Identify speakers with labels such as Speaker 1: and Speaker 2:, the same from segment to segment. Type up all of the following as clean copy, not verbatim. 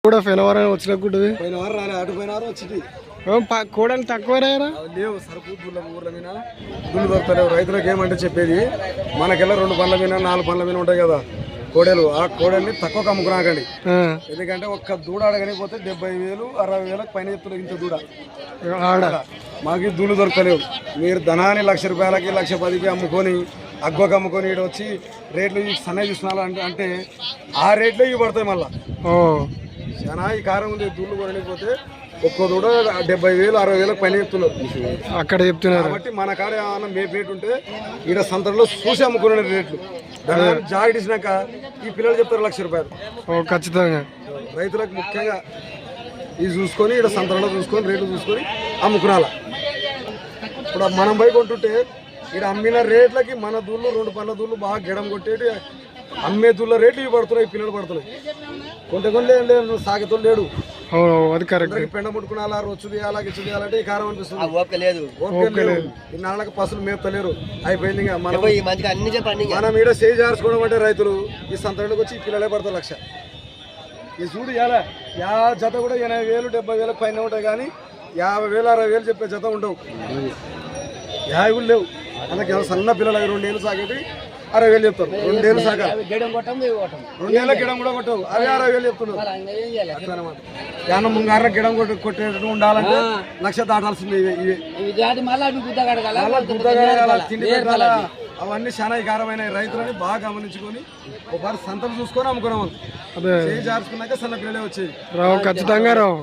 Speaker 1: కూడా ఫెనవరం వచ్చినప్పుడు
Speaker 2: పోయిన వారం రాలే, అటు పోయిన వారం వచ్చింది.
Speaker 1: కోడలు తక్కువ
Speaker 2: లేవు సరుకు ఊర్ల మీద దుళ్ళు దొరుకుతలేవు. రైతులకు ఏమంటే చెప్పేది, మనకెళ్ళ 2 పండ్ల మీద 4 పండ్ల మీద ఉంటాయి కదా కోడలు, ఆ కోడల్ని తక్కువ అమ్ముకురాకండి. ఎందుకంటే ఒక్క దూడ అడగనిపోతే 70,000 60,000 పైన చెప్తున్నారు. ఇంత దూడ మాకు దూళ్ళు దొరకలేవు. మీరు ధనాన్ని ₹1,00,000కి 1,10,000కి అమ్ముకొని అగ్గోకి అమ్ముకొని ఇక్కడ వచ్చి రేట్లు సన్నగా చూస్తున్నా అంటే ఆ రేట్లే ఇవి పడతాయి. మళ్ళీ చాలా ఈ కారం ఉంది. దూళ్ళు కొనలేకపోతే ఒక్కో దూడ 70,000 60,000 పైన చెప్తున్నారు
Speaker 1: అక్కడ చెప్తున్నారు.
Speaker 2: కాబట్టి మన కాడ ఏమన్నా రేటు ఉంటే ఈడ సంతలో చూసి అమ్ముకునే రేట్లు జాకెట్ ఇచ్చినాక ఈ పిల్లలు చెప్తారు ₹1,00,000.
Speaker 1: ఖచ్చితంగా
Speaker 2: రైతులకు ముఖ్యంగా ఇది చూసుకొని ఇక్కడ సంతలో చూసుకొని రేట్లు చూసుకొని అమ్ముకునాల. ఇప్పుడు మనం పోయి కొంటుంటే ఇక్కడ అమ్మిన రేట్లకి మన దూళ్ళు 2 పండ్ల దూళ్ళు బాగా గిడం కొట్టేటి అమ్మే దూళ్ళ రేట్లు ఇవి పడుతున్నాయి, పిల్లలు పడుతున్నాయి. కొంటే లేదు సాగితో లేడు.
Speaker 1: అది కరెక్ట్.
Speaker 2: పెండ ముట్టుకున్నా రొచ్చు తీయాలా గిచ్చు తీయాలంటే ఈ కారం అనిపిస్తుంది. ఓకే లేదు ఈ నాళ్ళకి పసులు మేపుతలేరు. అయిపోయింది. మనం ఈడ చేయి జార్చుకోవడం అంటే రైతులు ఈ సంతలోకి వచ్చి ఈ పిల్లలే పడతారు 1,00,000. ఈ చూడు ఇలా జత కూడా 80,000 70,000 పైన ఉంటాయి, కానీ 50,000 60,000 చెప్పే జత ఉండవు. 50 కూడా లేవు. అందుకే సన్న పిల్లలు 2 ఏళ్ళు సాగేటి 60,000 చెప్తారు. 2 ఏళ్ళు సాగా 2 ఏళ్ళ గిడం కూడా కొట్టవు, అవి 60,000 చెప్తున్నారు. అట్లనమాట. ఏమన్నా ముంగార గిడం కొట్టేటట్టు ఉండాలంటే 1,00,000 దాటాల్సింది. తిండి పెట్టాలా అవన్నీ చాలా వికారమైన. రైతులని బాగా గమనించుకొని ఒకసారి సంతలు చూసుకొని అమ్ముకున్నాం. చేయి జార్చుకున్నాక సన్న పిల్లలే వచ్చేది.
Speaker 1: ఖచ్చితంగా రావు.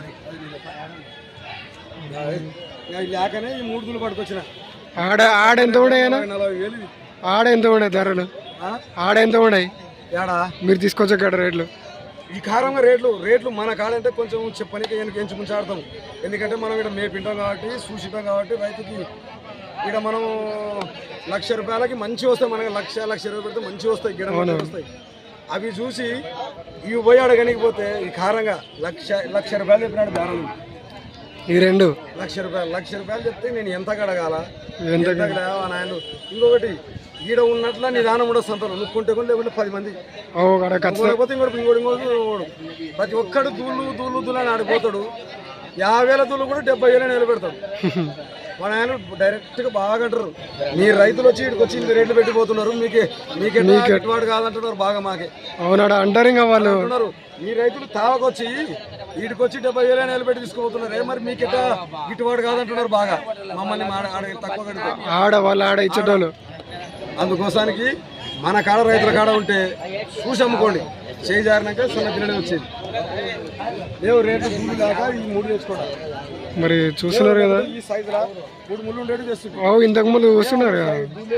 Speaker 2: లేకనే ఈ 3 దూళ్ళు పట్టుకొచ్చిన.
Speaker 1: ఆడెంత ఉండే
Speaker 2: 40,000.
Speaker 1: ఆడెంత ఉండే ధరలు? ఆడెంత ఉన్నాయి మీరు తీసుకొచ్చే కాడ రేట్లు?
Speaker 2: ఈ కారంగా రేట్లు మన కాడంటే కొంచెం చెప్పనికి ఎంచి ముంచాడతాం. ఎందుకంటే మనం ఇక్కడ మేపింటాం కాబట్టి చూసిటాం కాబట్టి రైతుకి ఇక్కడ మనం ₹1,00,000కి మంచి వస్తాయి. మనకి 1,00,000 పెడితే మంచి వస్తాయి, గిడ వస్తాయి. అవి చూసి ఇవి పోయి అడగనికపోతే ఈ కారంగా ₹1,00,000 చెప్పినాడు బేరం.
Speaker 1: ఈ రెండు
Speaker 2: ₹1,00,000 చెప్తే నేను ఎంత కడగాల నాయన. ఇంకొకటి ఈడ ఉన్నట్ల నిదానం ఉండదు సంతలో. నుక్కుంటే కూడా లేకుంటే 10 మంది లేకపోతే ఇంకోటి ప్రతి ఒక్కడు దూళ్ళు అని ఆడిపోతాడు. 50,000 దూళ్ళు కూడా 70,000 నిలబెడతాడు. మన ఆయన డైరెక్ట్గా బాగా అంటారు, మీ రైతులు వచ్చి ఇక్కడికి వచ్చి ఇంత రేట్లు పెట్టిపోతున్నారు, మీకే గిట్టుబాటు కాదంటున్నారు బాగా. మాకే
Speaker 1: అవునాడు అంటారు. ఇంకా వాళ్ళు
Speaker 2: అంటున్నారు, మీ రైతులు తావకొచ్చి వీటికి వచ్చి 70,000 నిలబెట్టి తీసుకుపోతున్నారు, మరి మీకెట్టా గిట్టుబాటు కాదంటున్నారు బాగా. మమ్మల్ని తక్కువ
Speaker 1: ఆడ వాళ్ళు ఆడ ఇచ్చేటోళ్ళు.
Speaker 2: అందుకోసానికి మన కాడ రైతుల కాడ ఉంటే చూసి అమ్ముకోండి. చేయి జారినాక సన్న పిల్లలే వచ్చేది. లేవు రేట్లు దూళ్ళు లేక ఈ 3 తెచ్చుకోవడం.
Speaker 1: మరి చూస్తున్నారు కదా
Speaker 2: ఈ సైజులా 3 ముళ్ళు ఉండేది తెస్తుంది.
Speaker 1: ఇంతకు ముందు చూస్తున్నారు కదా.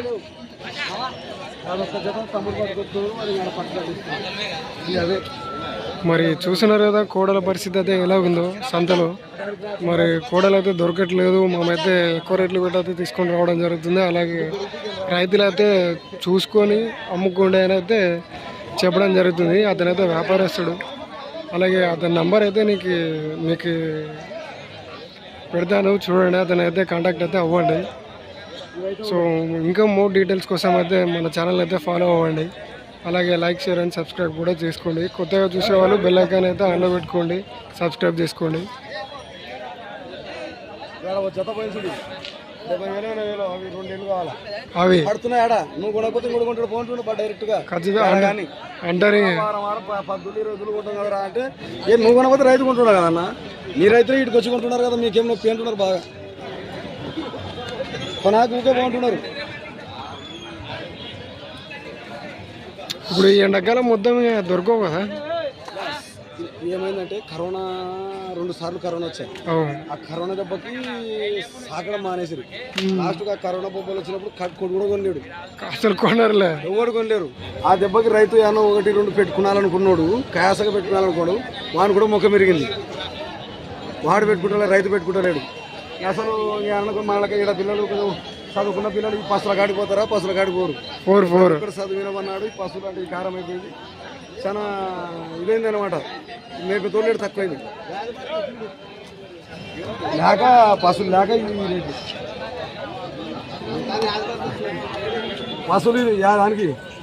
Speaker 2: అదే
Speaker 1: మరి చూస్తున్నారు కదా కోడల పరిస్థితి అయితే ఎలా ఉందో సంతలో. మరి కోడలు అయితే దొరకట్లేదు. మేమైతే ఎక్కువ రేట్లు పెట్టి తీసుకొని రావడం జరుగుతుంది. అలాగే రైతులు అయితే చూసుకొని అమ్ముకోండి అని అయితే చెప్పడం జరుగుతుంది. అతనైతే వ్యాపారస్తుడు. అలాగే అతని నంబర్ అయితే మీకు పెడతాను, చూడండి. అతనైతే కాంటాక్ట్ అయితే అవ్వండి. సో ఇంకా మోర్ డీటెయిల్స్ కోసం అయితే మన ఛానల్ అయితే ఫాలో అవ్వండి. అలాగే లైక్ షేర్ అండ్ సబ్స్క్రైబ్ కూడా చేసుకోండి. కొత్తగా చూసేవాళ్ళు బెల్ ఐకాన్ అయితే ఆన్లో పెట్టుకోండి, సబ్స్క్రైబ్ చేసుకోండి. అవి
Speaker 2: పడుతున్నాయాడా నువ్వు కొనకపోతే ఇంకోటి కొంటాడు పోంటుండే డైరెక్ట్గా
Speaker 1: అంటారు.
Speaker 2: 10 కొంటాం కదా అంటే నువ్వు కొనకపోతే రైతు కొంటున్నావు కదన్న. మీ రైతులు ఇటుకు వచ్చి కొంటున్నారు కదా, మీకేం నొప్పి అంటున్నారు బాగా. కొనాకు ఊకే బాగుంటున్నారు.
Speaker 1: ఇప్పుడు ఈ ఎండాకాలం మొత్తం దొరకవు కదా.
Speaker 2: ఏమైందంటే కరోనా 2 సార్లు కరోనా వచ్చాయి. ఆ కరోనా దెబ్బకి సాకడం మానేసారు. లాస్ట్గా కరోనా బొబ్బలు వచ్చినప్పుడు కొడు కూడా కొనలేడు,
Speaker 1: అసలు కొనరులే,
Speaker 2: ఎవరు కొనలేరు. ఆ దెబ్బకి రైతు ఏమో 1 2 పెట్టుకున్నాలనుకున్నాడు, కాయసగా పెట్టుకున్నాలనుకోడు, వాడు కూడా ముఖం మెరిగింది. వాడు పెట్టుకుంటా రైతు పెట్టుకుంటలేడు. అసలు అనుకో మనకి ఇక్కడ పిల్లలు చదువుకున్న పిల్లలు ఈ పసుల కాడిపోతారా, పసుల కాడిపోరు. ఇక్కడ చదివినమన్నాడు. ఈ పసులు అంటే ఈ కారం అయిపోయింది, చాలా ఇదైంది అనమాట. మేపు తోలేడు తక్కువైంది లేక పసులు లేక ఈ పసులు దానికి